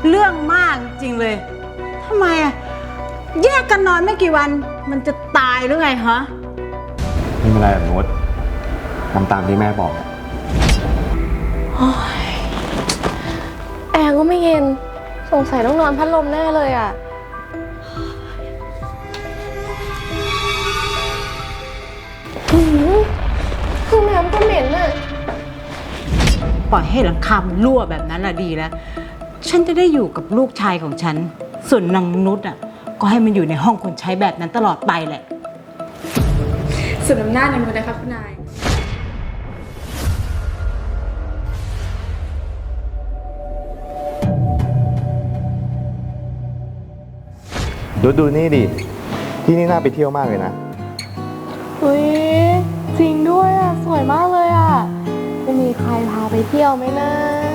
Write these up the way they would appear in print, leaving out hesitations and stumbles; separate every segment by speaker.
Speaker 1: เรื่องมากจริงเลยทำไมอะแยกกันนอนไม่กี่วันมันจะตายหรือไงฮะ
Speaker 2: ไม่เป็นไรแบบนุชทำตามที่แม่บอก
Speaker 3: แอร์ก็ไม่เย็นสงสัยต้องนอนพัดลมแน่เลยอ่ะห้องน้ำก็เหม็นอ่ะ
Speaker 1: ปล่อยให้หลังคามันรั่วแบบนั้นน่ะดีแล้วฉันจะได้อยู่กับลูกชายของฉันส่วนนางนุชอ่ะก็ให้มันอยู่ในห้องคนใช้แบบนั้นตลอดไปแหละ
Speaker 4: สุดอำนาจในมือนะคะคุณนาย
Speaker 2: ดูนี่ดิที่นี่น่าไปเที่ยวมากเลยนะ
Speaker 3: เฮ้ยจริงด้วยอ่ะสวยมากเลยอ่ะจะมีใครพาไปเที่ยวไหมนะ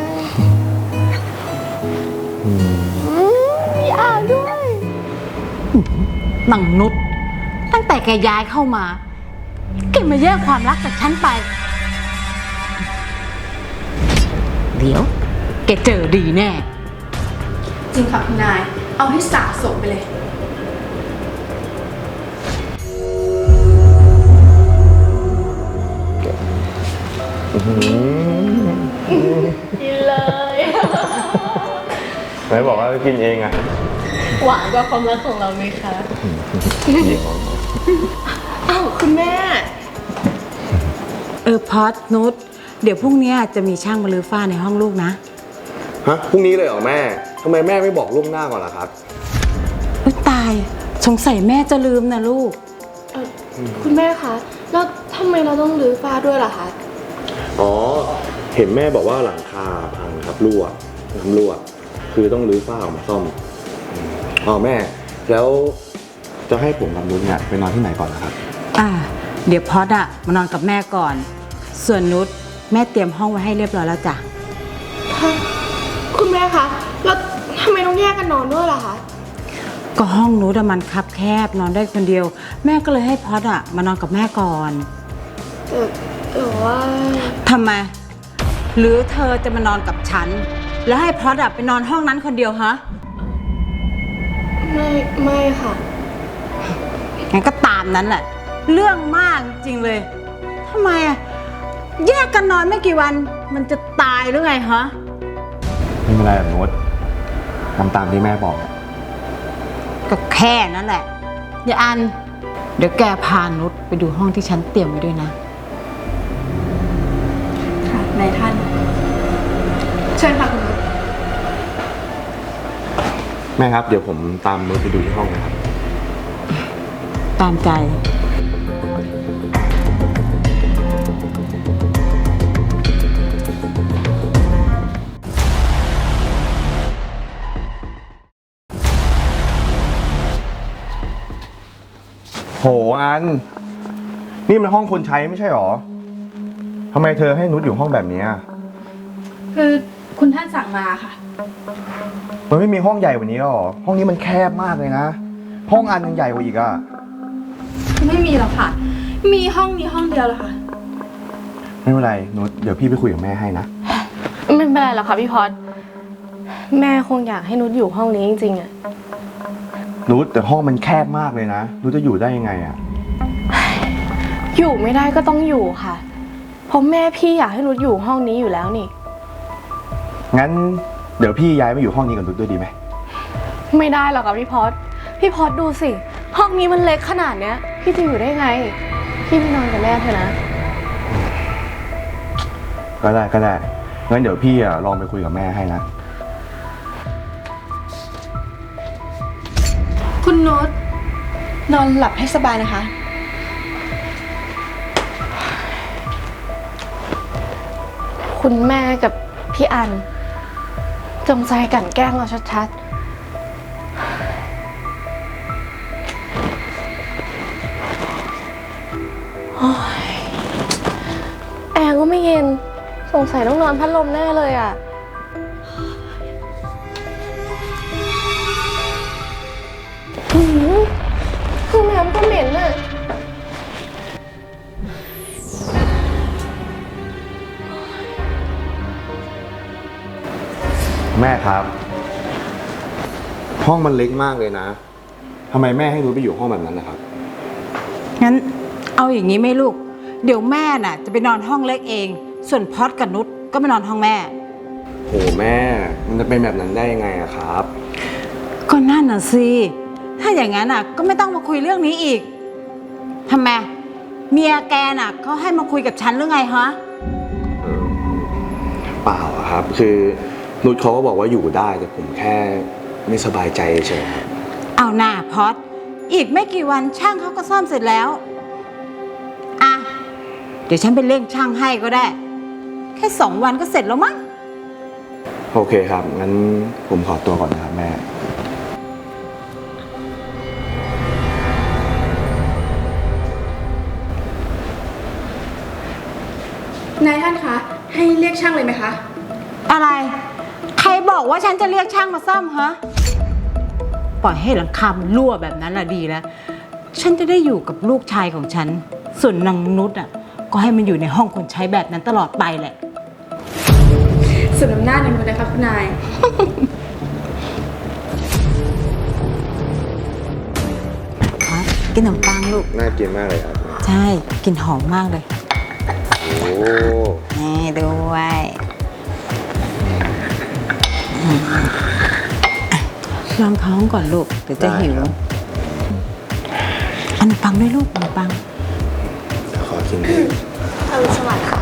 Speaker 3: มีอ่างด้วย
Speaker 1: นางนุชตั้งแต่แกย้ายเข้ามาแกมาแย่งความรักจากฉันไปเดี๋ยวแกเจอดีแน่
Speaker 4: จริงค่ะคุณนายเอาให้สะสมไปเลย
Speaker 3: กินเลย
Speaker 2: ไหนบอกว่ากินเองอะ
Speaker 3: หวานกว่าความรักของเราไหมคะอ้าวคุณแม่
Speaker 1: พอดนุชเดี๋ยวพรุ่งนี้จะมีช่างมาลื้อฝ้าในห้องลูกนะ
Speaker 2: ฮะพรุ่งนี้เลยเหรอแม่ทำไมแม่ไม่บอกล่วงหน้าก่อนล่ะครับ
Speaker 1: ตายสงสัยแม่จะลืมนะลูก
Speaker 3: คุณแม่คะแล้วทำไมเราต้องรื้อฝ้าด้วยล่ะคะ
Speaker 2: อ๋อเห็นแม่บอกว่าหลังคาพังครับรั่วน้ำรั่วคือต้องรื้อฝ้าออกมาซ่อมอ๋อแม่แล้วจะให้ผมกับนุชเนี่ยไปนอนที่ไหนก่อนนะครับ
Speaker 1: เดี๋ยวพอดอะมานอนกับแม่ก่อนส่วนนุชแม่เตรียมห้องไว้ให้เรียบร้อยแล้วจ้ะ
Speaker 3: คุณแม่คะแล้วทำไมต้องแยกกันนอนด้วยล่ะคะ
Speaker 1: ก็ห้องนุชมันคับแคบนอนได้คนเดียวแม่ก็เลยให้พอดอะมานอนกับแม่ก่อน
Speaker 3: แต่ว่า
Speaker 1: ทำไมหรือเธอจะมานอนกับฉันแล้วให้พอดอะไปนอนห้องนั้นคนเดียวฮะ
Speaker 3: ไม่ค่ะ
Speaker 1: งั้นก็ตามนั้นแหละเรื่องมากจริงเลยทำไมอะแยกกันนอนไม่กี่วันมันจะตายหรือไงฮะ
Speaker 2: ไม่เป็นไรแบบนุชทำตามที่แม่บอก
Speaker 1: ก็แค่นั้นแหละอย่าอันเดี๋ยวแกพานุชไปดูห้องที่ฉันเตรียมไว้ด้วยนะ
Speaker 4: ค่ะนายท่านเชิญค่ะคุณนุช
Speaker 2: แม่ครับเดี๋ยวผมตามนุชไปดูที่ห้องนะครับ
Speaker 1: ตามใจ
Speaker 2: โหอันนี่มันห้องคนใช้ไม่ใช่หรอทำไมเธอให้นุชอยู่ห้องแบบนี้
Speaker 4: คือคุณท่านสั่งมาค่ะ
Speaker 2: มันไม่มีห้องใหญ่กว่านี้หรอห้องนี้มันแคบมากเลยนะห้องอันยังใหญ่กว่าอีกอะ
Speaker 4: ไม่มีหรอกค่ะมีห้องนี้ห้องเดียวเลยค่ะ
Speaker 2: ไม่เป็นไรนุชเดี๋ยวพี่ไปคุยกับแม่ให้นะ
Speaker 3: ไม่เป็นไรหรอกค่ะพี่พอดแม่คงอยากให้นุชอยู่ห้องนี้จริงๆอะ
Speaker 2: นุชแต่ห้องมันแคบมากเลยนะนุชจะอยู่ได้ยังไงอะ
Speaker 3: อยู่ไม่ได้ก็ต้องอยู่ค่ะเพราะแม่พี่อยากให้นุชอยู่ห้องนี้อยู่แล้วนี่
Speaker 2: งั้นเดี๋ยวพี่ย้ายมาอยู่ห้องนี้กับนุชด้วยดีไหม
Speaker 3: ไม่ได้หรอกค่ะพี่พอดดูสิห้องนี้มันเล็กขนาดเนี้ยพี่จะอยู่ได้ไงพี่ไปนอนกับแม่เถอะนะ
Speaker 2: ก็ได้งั้นเดี๋ยวพี่ลองไปคุยกับแม่ให้นะ
Speaker 4: คุณนุชนอนหลับให้สบายนะคะ
Speaker 3: คุณแม่กับพี่อันจงใจกลั่นแกล้งเราชัดๆแอร์ก็ไม่เย็นสงสัยต้องนอนพัดลมแน่เลยอ่ะห้องน้ำก็เหม็นอ่ะ
Speaker 2: แม่ครับห้องมันเล็กมากเลยนะทำไมแม่ให้นุชไปอยู่ห้องแบบนั้นนะครับ
Speaker 1: งั้นเอาอย่างนี้ไหมลูก เดี๋ยวแม่น่ะจะไปนอนห้องเล็กเอง ส่วนพอดกับนุชก็ไปนอนห้องแม่
Speaker 2: โหแม่ มันจะเป็นแบบนั้นได้ยังไงอะครับ
Speaker 1: ก็นั่นน่ะสิถ้าอย่างนั้นน่ะก็ไม่ต้องมาคุยเรื่องนี้อีกทำไมเมียแกน่ะเขาให้มาคุยกับฉันหรือไงฮะ
Speaker 2: เปล่าอะครับ คือนุชเขาก็บอกว่าอยู่ได้แต่ผมแค่ไม่สบายใจเฉยๆครับ
Speaker 1: เอาหน้าพอดอีกไม่กี่วันช่างเขาก็ซ่อมเสร็จแล้วอ่ะเดี๋ยวฉันไปเร่งช่างให้ก็ได้ แค่2 วันก็เสร็จแล้วมั้ง
Speaker 2: โอเคครับ งั้นผมขอตัวก่อนนะครับแม่
Speaker 4: นายท่านคะ ให้เรียกช่างเลยไหมคะ
Speaker 1: อะไร ใครบอกว่าฉันจะเรียกช่างมาซ่อมฮะปล่อยให้หลังคามันรั่วแบบนั้นละดีแล้ว ฉันจะได้อยู่กับลูกชายของฉัน ส่วนนางนุชอ่ะ ก็ให้มันอยู่ในห้องคนใช้แบบนั้นตลอดไปแหละ
Speaker 4: สุดอำนาจในมือนะคะคุณนาย
Speaker 1: ครับกินขนมปังลูก
Speaker 2: น่ากินมากเลยครับ
Speaker 1: ใช่กลินหอมมากเลย
Speaker 2: โอ้
Speaker 1: นี่ด้วยลองท้องก่อนลูกเดี๋ยวจะหิวขนมปังด้วยลูกขนมปัง
Speaker 2: เดี๋ยวขอกินด้วย
Speaker 3: อรุณสวัสดิ์ค่ะ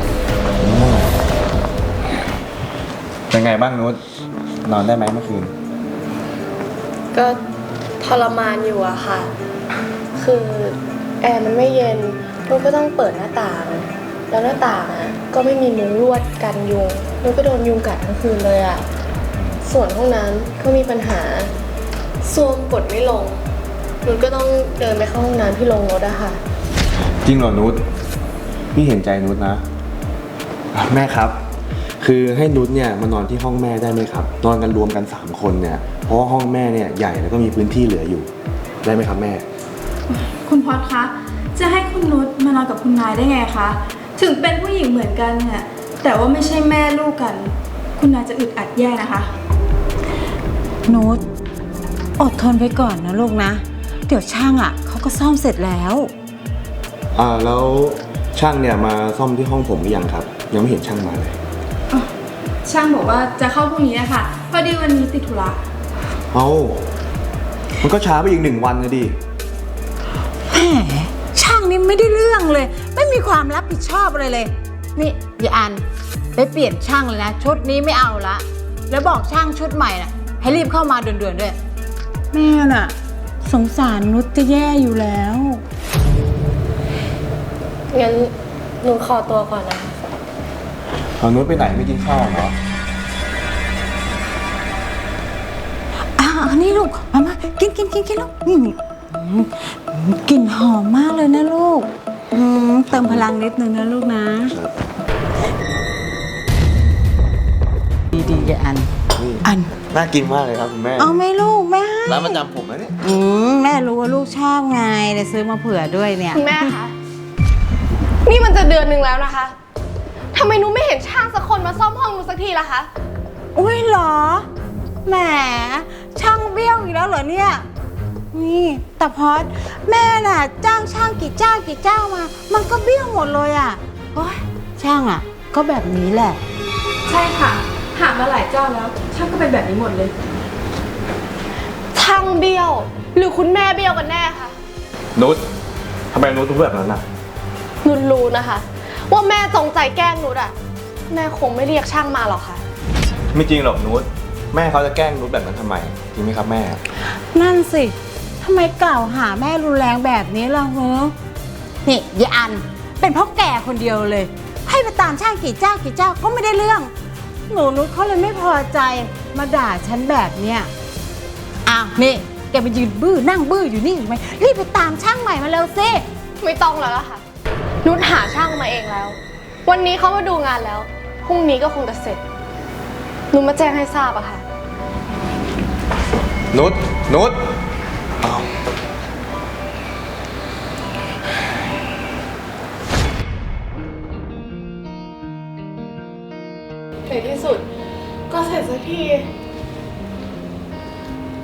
Speaker 2: เป็นไงบ้างนุชนอนได้ไหมเมื่อคืน
Speaker 3: ก็ทรมานอยู่อะค่ะ คือแอร์มันไม่เย็นนุ้ก็ต้องเปิดหน้าต่าง แล้วหน้าต่างอะก็ไม่มีมุ้งลวดกันยุงนุ้ก็โดนยุงกัดทั้งคืนเลยอะส่วนห้องน้ำก็มีปัญหาซ่วมกดไม่ลงนุ้ก็ต้องเดินไปเข้าห้องน้ำที่โรงรถอะค่ะ
Speaker 2: จริงเหรอนุชพี่เห็นใจนุชนะแม่ครับ คือให้นุชเนี่ยมานอนที่ห้องแม่ได้ไหมครับ นอนกันรวมกัน3 คนเนี่ยเพราะว่าห้องแม่เนี่ยใหญ่แล้วก็มีพื้นที่เหลืออยู่ได้ไหมครับแม่
Speaker 4: คุณพอดคะ จะให้คุณนุชมานอนกับคุณนายได้ไงคะ ถึงเป็นผู้หญิงเหมือนกันเนี่ยแต่ว่าไม่ใช่แม่ลูกกัน คุณนายจะอึดอัดแย่นะคะ
Speaker 1: นุชอดทนไปก่อนนะลูกนะ เดี๋ยวช่างอ่ะเขาก็ซ่อมเสร็จแล้ว
Speaker 2: แล้วช่างเนี่ยมาซ่อมที่ห้องผมหรือยังครับ ยังไม่เห็นช่างมาเลย
Speaker 4: ช่างบอกว่าจะเข้าพรุ่งนี้นะคะพอดีวันนี้ติดธุระ
Speaker 2: เอามันก็ช้าไปอีก1 วันเลยดิ
Speaker 1: แหมช่างนี่ไม่ได้เรื่องเลย ไม่มีความรับผิดชอบอะไรเลย นี่อย่าอันไปเปลี่ยนช่างเลยนะ ชุดนี้ไม่เอาละ แล้วบอกช่างชุดใหม่น่ะให้รีบเข้ามาด่วนๆด้วย แม่น่ะ สงสารนุชจะแย่อยู่แล้ว
Speaker 3: งั้นหนูขอตัวก่อนนะคะ
Speaker 2: เอานุชไปไหนไม่กินข้าวเหรอ
Speaker 1: อันนี้ลูกมากินลูกกลิ่นหอมมากเลยนะลูกเติมพลังนิดนึงนะลูกนะดีๆอย่าอัน อัน
Speaker 2: น่ากินมากเลยครับคุณแม่
Speaker 1: เอาไหมลูกแม่ให้
Speaker 2: ร้านประจำผมนะเนี่ย
Speaker 1: แม่รู้ว่าลูกชอบไงเลยซื้อมาเผื่อด้วยเนี่ย
Speaker 3: คุณแม่คะนี่มันจะเดือนหนึ่งแล้วนะคะทำไมหนูไม่เห็นช่างสักคนมาซ่อมห้องหนูสักทีล่ะคะ
Speaker 1: อุ้ยเหรอแหมช่างเบี้ยวอีกแล้วเหรอเนี่ยนี่แต่พอดแม่น่ะจ้างช่างกี่เจ้ามา มันก็เบี้ยวหมดเลยอ่ะโอ๊ยช่างอ่ะ ก็แบบนี้แหละ
Speaker 4: ใช่ค่ะ หามาหลายเจ้าแล้ว ช่างก็เป็นแบบนี้หมดเลย
Speaker 3: ช่างเบี้ยว หรือคุณแม่เบี้ยวกันแน่คะ
Speaker 2: นุชทำไมนุชถึงพูดแบบนั้นน่ะ
Speaker 3: นุชรู้นะคะ ว่าแม่จงใจแกล้งนุชอะแม่คงไม่เรียกช่างมาหรอกค่ะ
Speaker 2: ไม่จริงหรอกนุชแม่เขาจะแกล้งนุชแบบนั้นทำไมจริงไหมครับแม่
Speaker 1: นั่นสิทำไมกล่าวหาแม่รุนแรงแบบนี้ล่ะเฮ้นี่ยายอันเป็นเพราะแกคนเดียวเลย ให้ไปตามช่างกี่เจ้าก็ไม่ได้เรื่องหนูนุชเขาเลยไม่พอใจมาด่าฉันแบบเนี้ยอ้าวนี่แกไปยืนบื้อนั่งบื้ออยู่นี่อยู่ไหมรีบไปตามช่างใหม่มาเร็วสิ
Speaker 3: ไม่ต้องแล้วล่ะค่ะ นุชหาช่างมาเองแล้ว วันนี้เขามาดูงานแล้ว พรุ่งนี้ก็คงจะเสร็จนุชมาแจ้งให้ทราบอะค่ะ
Speaker 2: นุชอ้าว
Speaker 3: ในที่สุดก็เสร็จสักที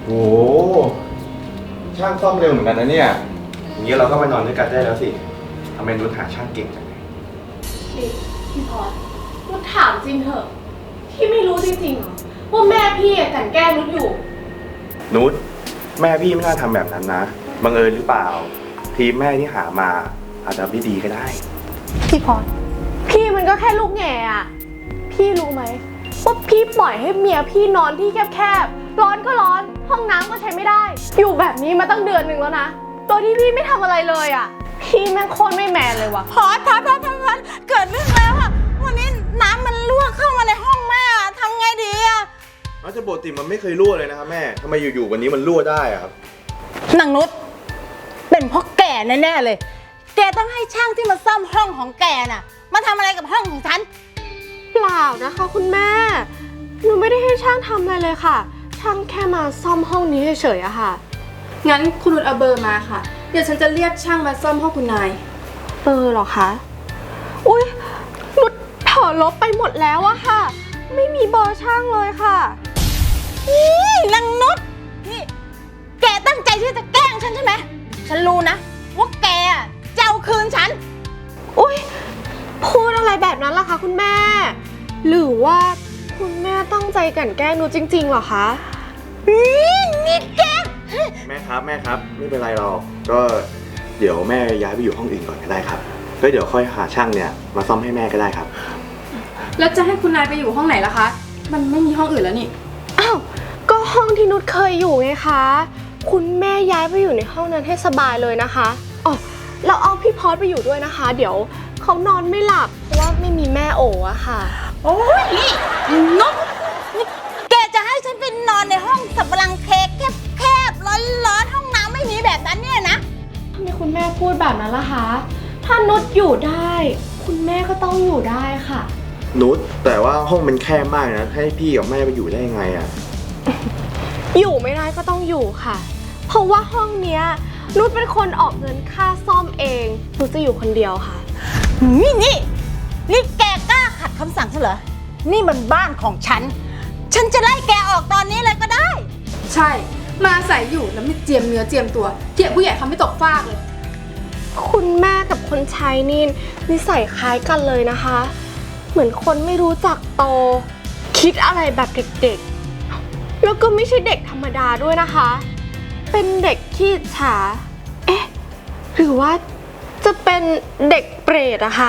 Speaker 2: โอ้ช่างซ่อมเร็วเหมือนกันนะเนี่ยอย่างนี้เราก็ไปนอนด้วยกันได้แล้วสิทำไมนุชหาช่างเก่งจังเลย
Speaker 3: พี่พอดนุชถามจริงเถอะพี่ไม่รู้จริงๆเหรอว่าแม่พี่กลั่นแกล้งนุชอยู่
Speaker 2: นุชแม่พี่ไม่น่าทำแบบนั้นนะบังเอิญหรือเปล่า ทีมแม่ที่หามาอาจจะไม่ดีก็ได้
Speaker 3: พี่พอดพี่มันก็แค่ลูกแง่อะพี่รู้ไหมว่าพี่ปล่อยให้เมียพี่นอนที่แคบๆร้อนก็ร้อนห้องน้ำก็ใช้ไม่ได้ อยู่แบบนี้มาตั้งเดือนหนึ่งแล้วนะโดยที่พี่ไม่ทำอะไรเลยอะพี่แม่งโคตรไม่แมนเลยว่ะ
Speaker 1: พอดเกิดเรื่องแล้วอะวันนี้น้ำมันรั่วเข้ามาในห้องแม่อะทำไงดีอะ
Speaker 2: อาจจะปกติมันไม่เคยรั่วเลยนะครับแม่ทำไมอยู่ๆวันนี้มันรั่วได้อะครับ
Speaker 1: นางนุชเป็นเพราะแกแน่ๆเลย แกต้องให้ช่างที่มาซ่อมห้องของแกน่ะ มาทำอะไรกับห้องของฉัน
Speaker 3: เปล่านะคะคุณแม่หนูไม่ได้ให้ช่างทำอะไรเลยค่ะช่างแค่มาซ่อมห้องนี้เฉยๆอะค่ะ
Speaker 4: งั้นคุณนุชเอาเบอร์มาค่ะ เดี๋ยวฉันจะเรียกช่างมาซ่อมห้องคุณนาย
Speaker 3: เบอร์เหรอคะอุ๊ยนุชเผลอลบไปหมดแล้วอะค่ะ ไม่มีเบอร์ช่างเลยค่ะ
Speaker 1: นี่นางนุชนี่แกตั้งใจที่จะแกล้งฉันใช่ไหมฉันรู้นะว่าแกอะจะเอาคืนฉัน
Speaker 3: อุ๊ยพูดอะไรแบบนั้นล่ะคะคุณแม่ หรือว่าคุณแม่ตั้งใจกลั่นแกล้งหนูจริงๆเหรอคะ
Speaker 1: นี่แก
Speaker 2: แม่ครับไม่เป็นไรหรอกก็เดี๋ยวแม่ย้ายไปอยู่ห้องอื่นก่อนก็ได้ครับก็เดี๋ยวค่อยหาช่างเนี่ยมาซ่อมให้แม่ก็ได้ครับ
Speaker 4: แล้วจะให้คุณนายไปอยู่ห้องไหนล่ะคะ มันไม่มีห้องอื่นแล้วนี่
Speaker 3: อ้าวก็ห้องที่นุชเคยอยู่ไงคะคุณแม่ย้ายไปอยู่ในห้องนั้นให้สบายเลยนะคะอ๋อเราเอาพี่พอดไปอยู่ด้วยนะคะ เดี๋ยวเขานอนไม่หลับเพราะว่าไม่มีแม่โออะค่ะ
Speaker 1: โอ้ยนี่นุชนี่แกจะให้ฉันไปนอนในห้องสับปะรังเค้กแคบๆร้อนๆห้องน้ำไม่มีแบบนั้นเนี่ยนะ
Speaker 3: ทำไมคุณแม่พูดแบบนั้นล่ะคะ ถ้านุชอยู่ได้ คุณแม่ก็ต้องอยู่ได้ค่ะ
Speaker 2: นุชแต่ว่าห้องมันแคบมากนะให้พี่กับแม่ไปอยู่ได้ยังไงอะ
Speaker 3: อยู่ไม่ได้ก็ต้องอยู่ค่ะ เพราะว่าห้องเนี้ยนุชเป็นคนออกเงินค่าซ่อมเองนุชจะอยู่คนเดียวค่ะ
Speaker 1: นี่แกกล้าขัดคำสั่งฉันเหรอ นี่มันบ้านของฉัน ฉันจะไล่แกออกตอนนี้เลยก็ได้
Speaker 4: ใช่ มาอาศัยอยู่แล้วไม่เจียมเนื้อเจียมตัวเจียมผู้ใหญ่เขาไม่ตกฟากเลย
Speaker 3: คุณแม่กับคนใช้นี่นิสัยคล้ายกันเลยนะคะ เหมือนคนไม่รู้จักโต คิดอะไรแบบเด็กๆ แล้วก็ไม่ใช่เด็กธรรมดาด้วยนะคะ เป็นเด็กขี้อิจฉา เอ๊ะ หรือว่าจะเป็นเด็กเปรตอะคะ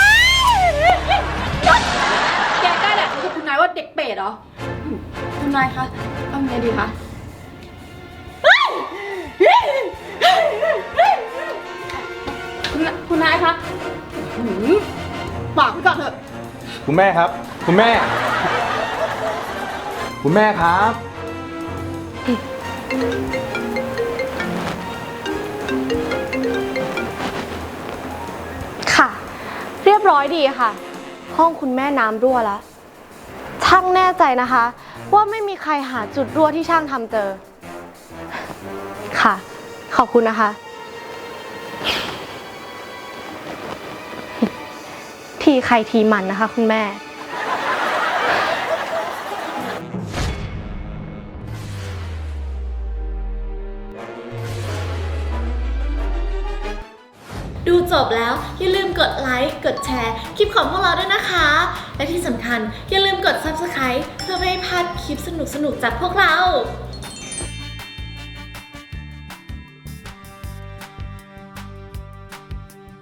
Speaker 4: แกกล้าแดกกับคุณนายว่าเด็กเปรตเหรอคุณนายคะเอาไงดีคะคุณนายคะปากไปก่อนเถอะ
Speaker 2: คุณแม่ครับ คุณแม่ครับ
Speaker 3: ค่ะ เรียบร้อยดีค่ะ ห้องคุณแม่น้ำรั่วแล้ว ช่างแน่ใจนะคะ ว่าไม่มีใครหาจุดรั่วที่ช่างทำเจอ ค่ะ ขอบคุณนะคะ ทีใครทีมันนะคะคุณแม่
Speaker 5: ดูจบแล้วอย่าลืมกดไลค์ กดแชร์คลิปของพวกเราด้วยนะคะ และที่สำคัญอย่าลืมกด Subscribe เพื่อไม่ให้พลาดคลิปสนุกๆจากพวกเรา